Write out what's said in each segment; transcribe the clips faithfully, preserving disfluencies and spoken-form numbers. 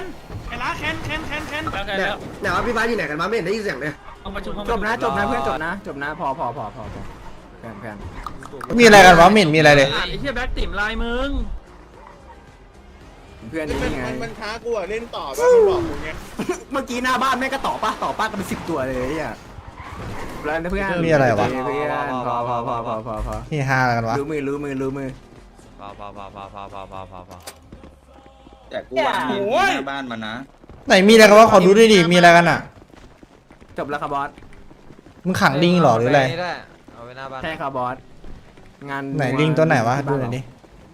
ไอ้ล้าแคนแคนแคนแคนเนี่ยเนี่ยว่าพี่ฟ้าอยู่ไหนกันวะไม่เห็นได้ยินเสียงเลยจบนะจบนะเพื่อนจบนะจบนะพอพอพอพอพอแพนแพนมีอะไรกันวะไม่เห็นมีอะไรเลยไอ้เหี้ยแบ็คติ่มลายมึงเพื่อนมันนี่ไงมันมันท้ากูอะเล่นต่อป่ะมันบอกกูไงเมื่อกี้หน้าบ้านแม่งก็ต่อป้าต่อป้ากันเป็นสิบตัวเลยอ่ะแล้วเพื่อนมีอะไรวะเพื่อนพอพอพอพอพอพอนี่ฮาอะไรกันวะรู้มือรู้มือรู้มือพอพอพอพอพอพอพอพอพอแต่กูวางมีหน้าบ้านมันนะไหนมีอะไรกันวะขอดูด้วยดิมีอะไรกันอ่ะจบแล้วครับบอสมึงขังลิงเหรอหรืออะไรเอาไว้หน้าบ้านใช่ครับบอสงานไหนลิงตัวไหนวะดูหน่อยดิ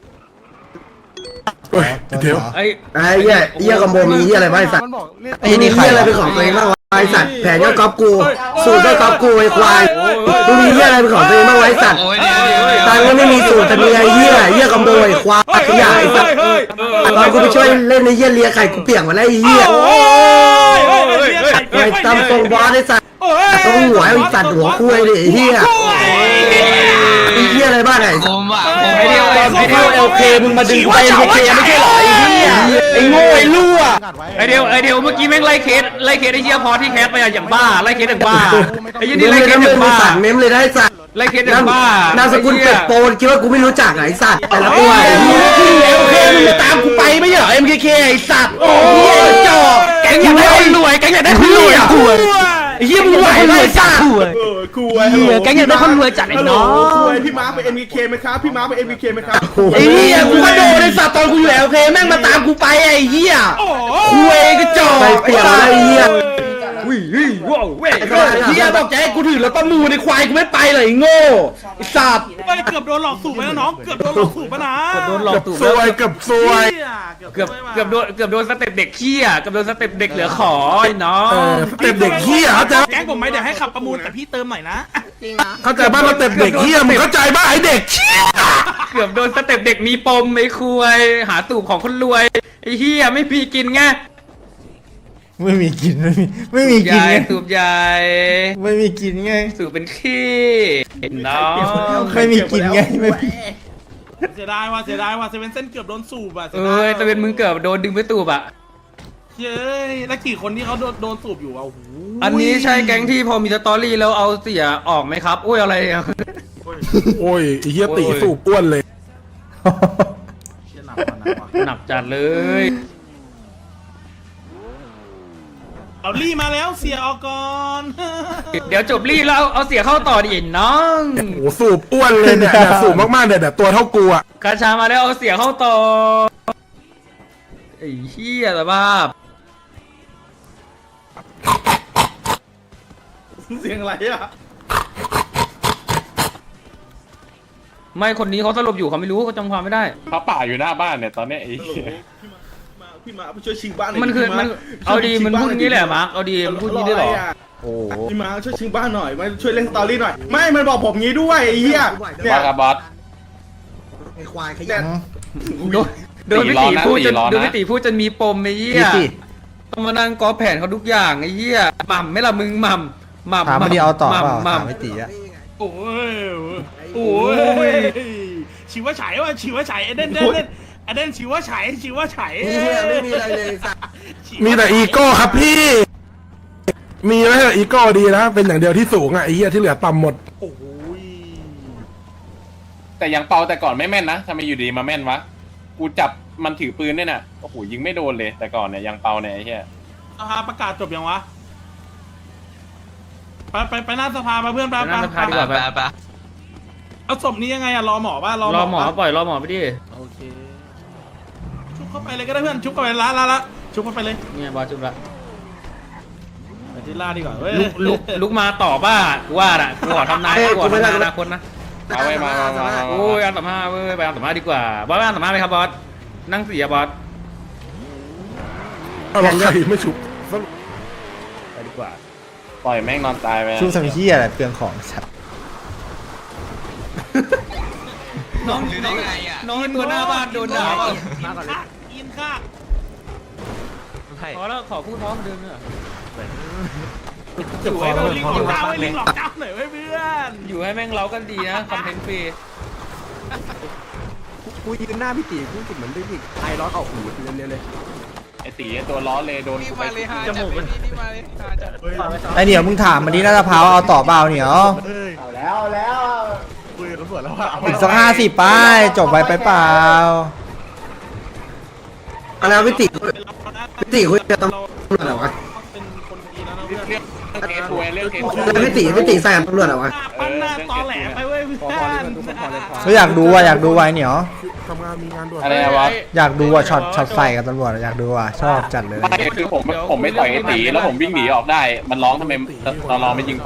เดี๋ยวไอ้ไอ้เหี้ยเหี้ยคอมโบมีเหี้ยอะไรบ้างไอ้สัตว์ไอ้นี่ใครเหี้ยอะไรเป็นของตัวเองบ้างวะไอ้สัตว์แผนก็ก๊อปกูสูตรก็ก๊อปกูไอ้ควายมึงมีเหี้ยอะไรเป็นของตัวเองบ้างวะไอ้สัตว์ตังค์ก็ไม่มีสูตรแต่มีไอ้เหี้ยเหี้ยคอมโบไอ้ควายขยะไอ้สัตว์ตอนกูไปช่วยเล่นในเหี้ยเลียไข่กูเปียกหมดแล้วไอ้เหี้ยโอ้ยโอ้ยโอ้ยไอ้ตำตรงบอสไอ้สัตว์ต้องหัวไอ้สัตว์หัวคุยดิไอ้เหี้ยไอ้เหี้ยอะไรบ้างไอ้ผมอ่ะไอ้เดียวไอ้เดียวเอลเคมึงมาดึงไปเอลเคไม่ใช่หรอไอ้เหี้ยไอ้โง่ไอ้รั่วไอเดียวไอเดียวเมื่อกี้แม่งไล่เคสไล่เคสไอ้เหี้ยพอที่แคสไปอะอย่างบ้าไล่เคสอย่างบ้าไอ้ยี่เมนี่มไล่เลยเคนะสอมึงย่างมึงบ้าสั่งเมมเลยได้สัตว์ไล่เคสอย่างบ้านามสกุลเป็ดโปนคิดว่ากูไม่รู้จักไอ้สัตว์แต่ละตัวไอ้เหี้ยที่เอลเคมึงมาตามกูไปไม่ใช่เหรอเอ็มเคเคไอ้สัตว์โอ้ยจ่อแกงอยากได้คนรวยแกงอยากได้คนรวยไอ้เหี้ยมึงไหวไหมสัตว์เออกูไอ้เหี้ยแกงอยากได้คนรวยจัดไอ้น้องกูไอ้พี่ม้าไปเอ็มบีเคไหมครับพี่ม้าไปเอ็มบีเคไหมครับไอ้เหี้ยกูก็โดนไอ้สัตว์ตอนกูอยู่เอลเคแม่งมาตามกูไปไอ้เหี้ยคุยก็จ่อไปเปลี่ยนอะไรไอ้เหี้ยวิ่งวิ่งว้าวเว้ยไอ้เหี้ยบอกจะให้กูถือรถประมูลในควายกูไม่ไปเลยไอ้โง่ไอ้สัตว์ไปเกือบโดนหลอกสูบไปแล้วน้องเกือบโดนหลอกสูบไปนะเกือบโดนหลอกสูบซวยกับซวยเกือบเกือบโดนเกือบโดนสเต็ปเด็กขี้อ่ะเกือบโดนสเต็ปเด็กเหลือขอไอ้น้องเต็มเด็กเหี้ยเข้าใจแก๊งผมไหมเดี๋ยวให้ขับประมูลแต่พี่เติมหน่อยนะเข้าใจบ้างมาเต็มเด็กเหี้ยมึงเข้าใจบ้างไอ้เด็กเหี้ยเกือบโดนสเต็ปเด็กมีปมไอ้คุยหาตูบของคนรวยไอ้เฮียไม่มีกินไงไม่มีกินไม่มีไม่มีกินยายไงตูบยายไม่มีกินไงสูบเป็นขี้เห็นน้องไม่มีกินไงไม่มีเสียดายว่ะเสียดายว่ะเซเว่นเส้นเกือบโดนสูบอ่ะเอ้ยจะเป็นมึงเกือบโดนดึงไปตูบอ่ะเย้ยแล้วกี่คนที่เขาโดนโดนสูบอยู่อ่ะโอ้โหอันนี้ใช่แก๊งที่พอมีสตอรี่แล้วเอาเสียออกไหมครับโอ้ยอะไรอ่ะโอ้ยไอ้เหี้ยตีสูบอ้วนเลยเชี่ยหนักว่ะหนักว่ะหนักจัดเลยเอาลี่มาแล้วเสียออกก่อนเดี๋ยวจบรีแล้วเอาเอาเสียเข้าต่อดิน้องโอ้โหสูบอ้วนเลยเนี่ยเนี่ยสูบมากๆเนี่ยแต่ตัวเท่ากูอะกาชามาแล้วเอาเสียเข้าต่อไอ้เหี้ยแต่ว่าเสียงอะไรอ่ะไม่คนนี้เขาสลบอยู่เขาไม่รู้เขาจำความไม่ได้เขาป่าอยู่หน้าบ้านเนี่ยตอนเนี้ยไอ้ฮัลโหลพี่มาพี่มาไปช่วยชิงบ้านหน่อยมันคือพี่ามันเอาดีมันพูดงี้แหละมาร์คเอาดีมันพูดงี้ได้เหรอโอ้พี่มาช่วยชิงบ้านหน่อยมาช่วยเล่นสตอรี่หน่อยไม่มันบอกผมงี้ด้วยไอ้เหี้ยเนี่บอย สครับบอสไอ้ควายขยะโดนโดนพี่ตีพูดจนโดนพี่ตีพูดจนมีปมไอ้เหี้ยพี่ติต้องมานั่งกอแผนเขาทุกอย่างไอ้เหี้ยหม่ำไม่ละมึงหม่ำหม่ำถามไม่ดีเอาต่อเปล่าหม่ำถามไม่ตีอะโอ้ยโอ้ยชิวะฉายว่ะชิวะฉายเอเดนเดนเดนเอเดนชิวะฉายชิวะฉายไอ้เหี้ยไม่มีอะไรเลยสัตว์มีแต่อีโก้ครับพี่ มีไหมอีโก้ดีนะเป็นอย่างเดียวที่สูงอะไอ้เหี้ยที่เหลือต่ำหมดโอ้ยแต่ยังเปาแต่ก่อนไม่แม่นนะทำไมอยู่ดีมาแม่นวะกูจับมันถือปืนเนี่ยน่ะโอ้โหยิงไม่โดนเลยแต่ก่อนเนี่ยยังเปาเนี่ยไอ้เหี้ยสภาประกาศจบยังวะไปไปไปหน้าสภามาเพื่อนไปไปหน้าสภาดีกว่าไปไปเอาศพนี้ยังไงอะรอหมอป่ะรอรอหมอป่ะปล่อยรอหมอไปดิชุบเข้าไปเลยก็ได้เพื่อนชุบเข้าไปละละละชุบเข้าไปเลยเนี่ยบอสจุบละไปที่ล่าดีกว่าเว้ยลุกลุกลุกมาต่อบ้ากูว่าอ่ะกูขอทำนายกูขอทำนายอนาคตนะเอาไว้มามามามาโอ้ยอันสัมภาษณ์เว้ยไปอันสัมภาษณ์ดีกว่าบอสไปอันสัมภาษณ์ไหมครับบอสนั่งเสียบอสเอาใครไม่ชุบไปดีกว่าปล่อยแม่งนอนตายไปชูสมิเฮียอะไรเปลืองของสัตว์น้องหรือได้ไงอ่ะน้องตัวหน้าบ้านโดนด่าเปล่าอินค่าอินค่าขอแล้วขอพูดพร้อมเดิมเนอะสวยเลยลิงหลอกเจ้าไว้ลิงหลอกเจ้าหน่อยไว้เพื่อนอยู่ให้แม่งเล้ากันดีนะคอนเทนต์ฟรีกูยืนหน้าพี่ตีกูกิดเหมือนได้พี่ไอร้อนออกหูเร็วๆเลยไอตีตัวร้อนเลยโดนนี่กูมาไปเลยฮะจัดนี่นี่มาเลยฮะจัดไอเหนียวมึงถามมันดิน่าจะพาวเอาต่อเปล่าเหนียวเอาแล้วเอาแล้วคุยกับตำรวจแล้วว่าอีกสักห้าสิบป้ายจบไปไปเปล่าเอาแล้วพี่ติพี่ติคุยกับตำรวจเหรอวะเป็นคนดีแล้วนะเรื่เพื่ออง นเรื่องเคสทัวร์เรื่องเคสทัวแล้วร์พี่ติพี่ติใส่กับตำรวจเหรอวะปั้นหน้าตอแหลไปเว้ยเพื่อนก็อยากดูว่ะอยากดูว่ะไอเหนียวทำงานมีงานด่วนอะไรวะอยากดูว่ะช็อตช็อตใส่กับตำรวจอยากดูว่ะชอบจัดเลยไม่คือผมผมไม่ต่อยไอตีแล้วผมวิ่งหนีออกได้ มันร้องทำไมตอนรอไม่ยิงผม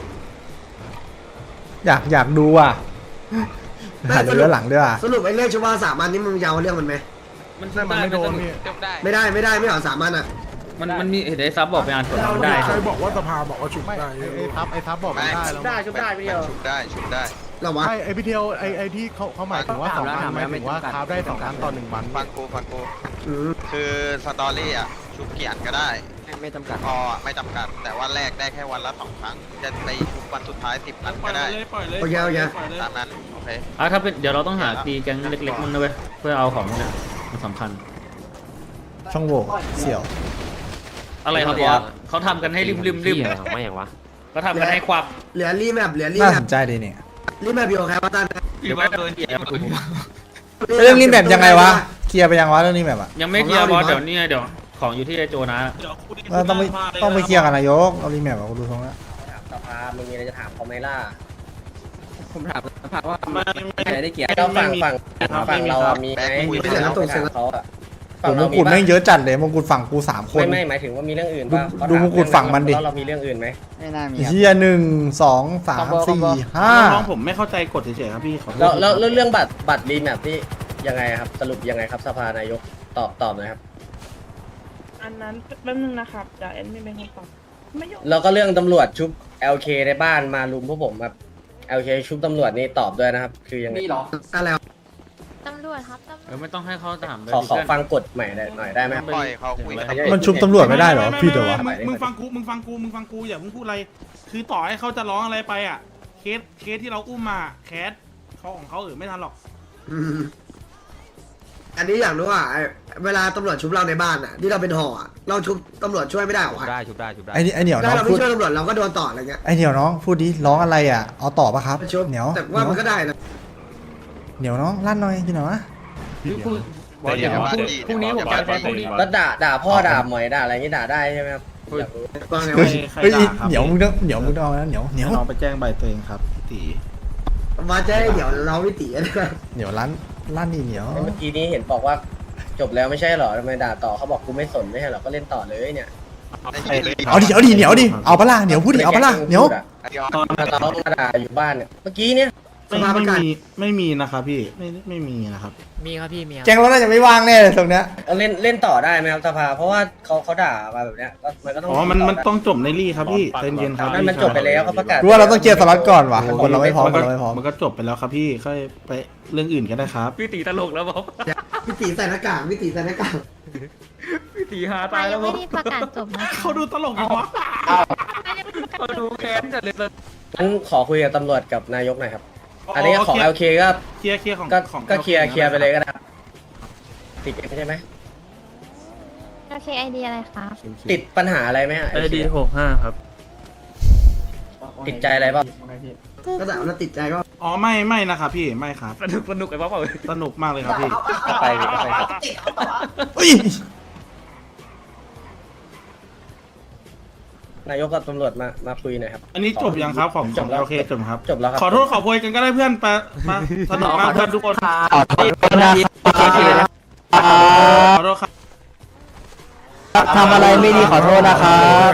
อยากอยากดูว่ะหาดูด้านหลังด้วยว่ะสรุปไอ้เรื่องชุบว่าสามอันนี้มึงยาวเรื่องมันไหมมันมันไม่โดนพี่จบได้ไม่ได้ไม่ได้ไม่เอาสามอันอ่ะมันมันมีเห็นไอ้ซับบอกไปอ่านกฎมันได้ใครบอกว่าสภาบอกว่าฉุกได้ไอ้ทับไอ้ทับบอกไม่ได้แล้วได้ชุบได้พี่เดียวชุบได้ชุบได้เหรอวะไอ้ไอ้พี่เทียวไอ้ไอ้ที่เขาเขาหมายถึงว่าสองวันหมายถึงว่าคราฟได้สองครั้งต่อหนึ่งวันฟังกูฟังกูอืมคือสตอรี่อ่ะชุบกี่อันก็ได้ไม่จำกัดพออะไม่จำกัด แต่ว่าแรกได้แค่วันละสองครั้ง จะไปชุบวันสุดท้ายสิบอันปล่ก็อยได้เลยปล่อยเลยโอเคโอเคปล่อยเลยตามนั้นโอเคอ่ะถ้าเป็นเดี๋ยวเราต้องหาตีแก๊งเล็กๆมันนะเว้ยเพื่อเอาของเนี่ยมันสำคัญช่องโหว่เสี่ยวอะไรครับบอสเขาทำกันให้ริมริมริมไม่อย่างวะเขาทำกันให้ควักเหลือรีแมปเหลือรีน่าแมสปนใจดีเนี่ยรีแมปอยู่กับใครวะตั้นเดี๋ยวไม่โดนเหยียบเรื่องนี้แบบยังไงวะเคลียร์ไปยังวะเรื่องนี้แบบอ่ะยังไม่เคลียร์บอสเดี๋ยวนี่เดี๋ยวของอยู่ที่ไอโจนะเดี๋ยวคุยเราต้องไปต้องไปเคลียร์กันนายกเอารีแมปเอาดูทรงแล้วสภามึงมีอะไรจะถามเขาไหมล่ะผมถามสภาว่าไม่ไม่ใครได้เกียรติเราฝั่งฝั่งครับฝั่งเราอะมีไหมไม่มีไม่ใช่น้ำตกเสร็จเขาอะโอ้มงกุฎแม่งเยอะจัดเลยมงกุฎฝั่งกูสามคนไม่ไม่หมายถึงว่ามีเรื่องอื่นป่ะดูมงกุฎฝั่งมันดิแล้วเรามีเรื่องอื่นไหมไม่น่ามีครับเฮียหนึ่งสองสามสี่ห้าน้องผมไม่เข้าใจกฎเฉยๆครับพี่ขอโทษแล้วแล้วแล้วเรื่องบัตรบัตรรีแมปที่ยังไงครับสรุปยังไงครับสภานายกตอบตอบหน่อยครับอันนั้นแป๊บนึงนะครับเดี๋ยวแอดมินเป็นคนตอบไม่ยอมแล้วก็เรื่องตำรวจชุบ แอล เค ในบ้านมาลุมพวกผมครับ แอล เค ชุบตำรวจนี่ตอบด้วยนะครับ คือยังไงนี่หรออะไรวะตำรวจครับตำรเอวจอไม่ต้องให้เขาถามเลยขอขอเพื่อนฟังกฎใหม่หน่อยได้ไหมครับปล่อยเขาคุยกันมันชุบตำรวจไม่ได้เหรอพี่เดี๋ยววะมึงมึงฟังกูมึงฟังกูมึงฟังกูอย่าเพิ่งพูดอะไร คือต่อให้เขาจะร้องอะไรไปอ่ะเคสเคสที่เราอุ้มมาแคสเขาของเขาเออไม่ทันหรอกอืมอันนี้อยากรู้ว่าไอ้เวลาตำรวจชุบเราในบ้านอ่ะที่เราเป็นห่ออะเราชุบตำรวจช่วยไม่ได้หรอวะได้ชุบได้ชุบได้ไอ้นี่ไอ้เหนียวน้ถ้าองเราพูไม่ดช่วยตำรวจเราก็โดนต่ออะไรเงี้ยไอ้เหนียวน้องพูดดิร้องอะไรอ่ะเอาต่อปะครับชุบเหนียวแต่ว่ามันก็ได้นะเหนียวน้องลั่นหน่อยพี่หน่อยวะบอสเดี๋ยวพรุ่งพรุ่งนี้ผมจะใช้พรุ่งนี้แล้วด่าด่าพ่อด่าหมอยด่าอะไรอย่างงี้ด่าได้ใช่ไหมครับอยากรู้ว่าไงเฮ้วะยเฮ้ยเหนียวมึงต้องเหนียวมึงต้องเอานะเหนียวเหนียวน้องไปแจ้งใบตัวเองครับพี่ตีมาจะให้เดี๋ยวเราวิตีนะเหนียวลั่นลั่นนี่เหนียวเมื่อกี้นี้เห็นบอกว่าจบแล้วไม่ใช่เหรอทำไมด่าต่อเขาบอกกูไม่สนไม่ใช่เหรอก็เล่นต่อเลยเนี่ยเอาดิเอาดิเหนียวดิเอาปะล่ะเหนียวพูดดิเอาปะล่ะเหนียวตอนเรามาด่าอยู่บ้านเนี่ยเมื่อกี้เนี่ยไม่ไม่มีไม่มีนะครับพี่ไม่ไม่มีนะครับมีครับพี่มีครับแกงรถน่าจะไม่ว่างแน่เลยตรงเนี้ยเอาเล่นเล่นต่อได้ไหมครับสภาเพราะว่าเขาเขาด่ามาแบบเนี้ยก็มันก็ต้องอ๋อมันมันต้องจบในรี่ครับพี่ใจเย็นครับนั่นมันจบไปแล้วเขาประกาศกูว่าเราต้องเคลียร์สล็อตก่อนว่ะคนเราไม่พร้อมคนเราไม่พร้อมมันก็จบไปแล้วครับพี่ค่อยไปเรื่องอื่นกันได้ครับพี่ตีตลกแล้วบอกวิตีใส่หน้ากากวิตีใส่หน้ากากพี่ตีหาไปตายแล้ยัวงบไม่อกได้ประกาศจบนะเขาดูตลกอยู่วะเขาดูแค้นจัดเลยงั้นขอคุยกับตำรวจกับนายกหน่อยครับ อันนี้ของเคลียแอร์ล เค ก็เคลียร์เคลียร์ของก็ของก็เคลียร์เคลียร์ไปเลยก็ได้ครับติดเกมใช่ไหมโอเคไอเดียอะไรครับติดปัญหาอะไรไหมฮะไอดีหกห้าครับติดใจอะไรบ้างก็แต่ว่าติดใจก็อ๋อไม่ไม่นะครับพี่ไม่ครับสนุกสนุกไอ้บ๊อบเอาสนุกมากเลยครับพี่ก็ไปก็ไปครับเฮ้ยนายกกับตำรวจมามาคุยหน่อยครับอันนี้จบยังครับของจบแล้วโอเคจบครับจบแล้วครับขอโทษขอโพยกันก็ได้เพื่อนไปมาสนุกมากเพื่อนทุกคนขอโทษครับทำอะไรไม่ดีขอโทษนะครับ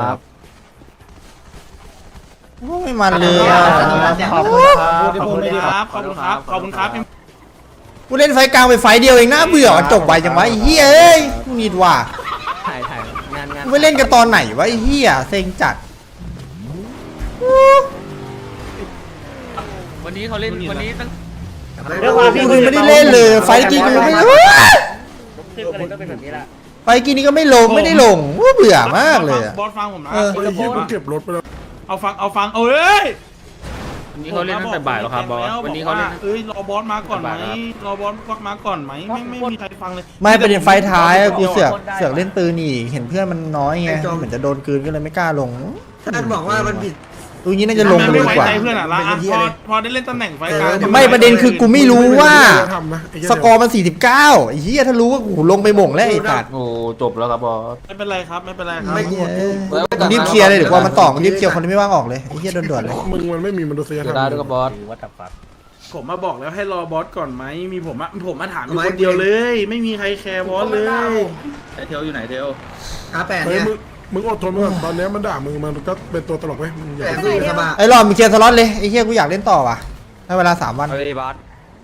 ไม่มันเลยอ่ะขอบคุณครับขอบคุณครับขอบคุณครับกูเล่นไฟกลางไปไฟเดียวเองน่าเบื่อจบไปจังวะไอ้เหี้ยเอ้ยกูนิดว่ะถ่ายถ่ายงานงานกูไปเล่นกันตอนไหนวะไอ้เหี้ยเซ็งจัดวันนี้เขาเล่นวันนี้ตั้งกูไม่ได้เล่นเลยไฟกี้กูไม่คืออะไรก็เป็นแบบนี้แหละไฟกี้นี่ก็ไม่ลงไม่ได้ลงเบื่อมากเลยอะบอสฟังผมนะเออไอ้เหี้ยมันเก็บรถไปแล้วเอาฟังเอาฟังเอ้ยวันนี้เขาเล่นตั้งแต่บ่ายแล้วครับบอสวันนี้เขาเล่นเอ้ยรอบอสมาก่อนไหมบ่ายแล้วรอบอสมาก่อนไหมไม่ไม่มีใครฟังเลยไม่ประเด็นไฟท้ายกูเสือกเสือกเล่นปืนอีกเห็นเพื่อนมันน้อยไงเหมือนจะโดนกลืนก็เลยไม่กล้าลงท่านบอกว่ามันผิดตรงนี้น่าจะลงไปเลยดีกว่าไม่ไว้ใจเพื่อนอ่ะละอ่ะพอพอได้เล่นตำแหน่งไฟกลางไม่ประเด็นคือกูไม่รู้ว่าทำนะไเหี้ยสกอร์มันสี่สิบเก้าไอ้เหี้ยถ้ารู้ว่ากูลงไปหม่งแล้วไอ้ตัดโอ้จบแล้วครับบอสไม่เป็นไรครับไม่เป็นไรครับไม่กลัวกูรีบเคลียร์เลยเดี๋ยวกว่ามันต่อกูรีบเคลียร์คนที่ไม่ว่างออกเลยไอ้เหี้ยด่วนๆเลยมึงมันไม่มีมนุษยธรรมได้ด้วยกับบอสผมมาบอกแล้วให้รอบอสก่อนไหมมีผมอะผมมาถามอยู่คนเดียวเลย ไม่มีใครแคร์บอสเลยไอเทลอยู่ไหนเทลอาแปดเฮ้ยเนี่ยมึงมึงอดทนก่อนตอนนี้มันด่ามึงมันก็เป็นตัวตลกไว้มึงอย่าแปดไปคือสบายไอ้รอบมีเคลียร์สล็อตเลยไอ้เหี้ยกูอยากเล่นต่อว่ะให้เวลาสามวันเอาไปบอส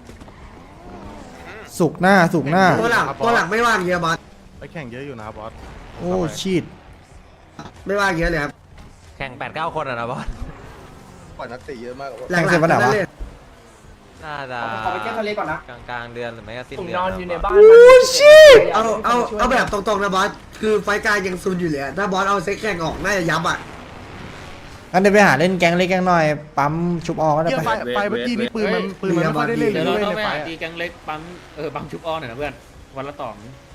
สุกร์หน้าสุกร์หน้าตัวหลักตัวหลักไม่ว่างเยอะบอสไปแข่งเยอะอยู่นะบอสโอ้ชีตไม่ว่างเยอะเลยครับแข่งแปดเก้าคนอ่ะนะบอสปล่อยนักเตะเยอะมากหลักๆทั้งนั้นเลยน่าจะขอไปแก้ทะเลก่อนนะกลางกลางๆเดือนหรือไม่ก็สิ้นเดือนนอนอยู่ในบ้านเอาเอาเอาแบบตรงๆนะบอสคือไฟกลางยังซุนอยู่เลยอะถ้าบอสเอาเซ็กแข่งออกน่าจะยับอ่ะงั้นเดี๋ยวไปหาเล่นแก๊งเล็กแก๊งน้อยปั๊มชุบออก็ได้ไปไฟเมื่อกี้นี่ปืนมันปืนมันไม่ค่อยได้เล่นเดี๋ยวเลเรายต้องในไปไฟหาตีแกงเล็กปั๊มเออปั๊มชุบอ้อหน่อยนะเพื่อนวันละต่อ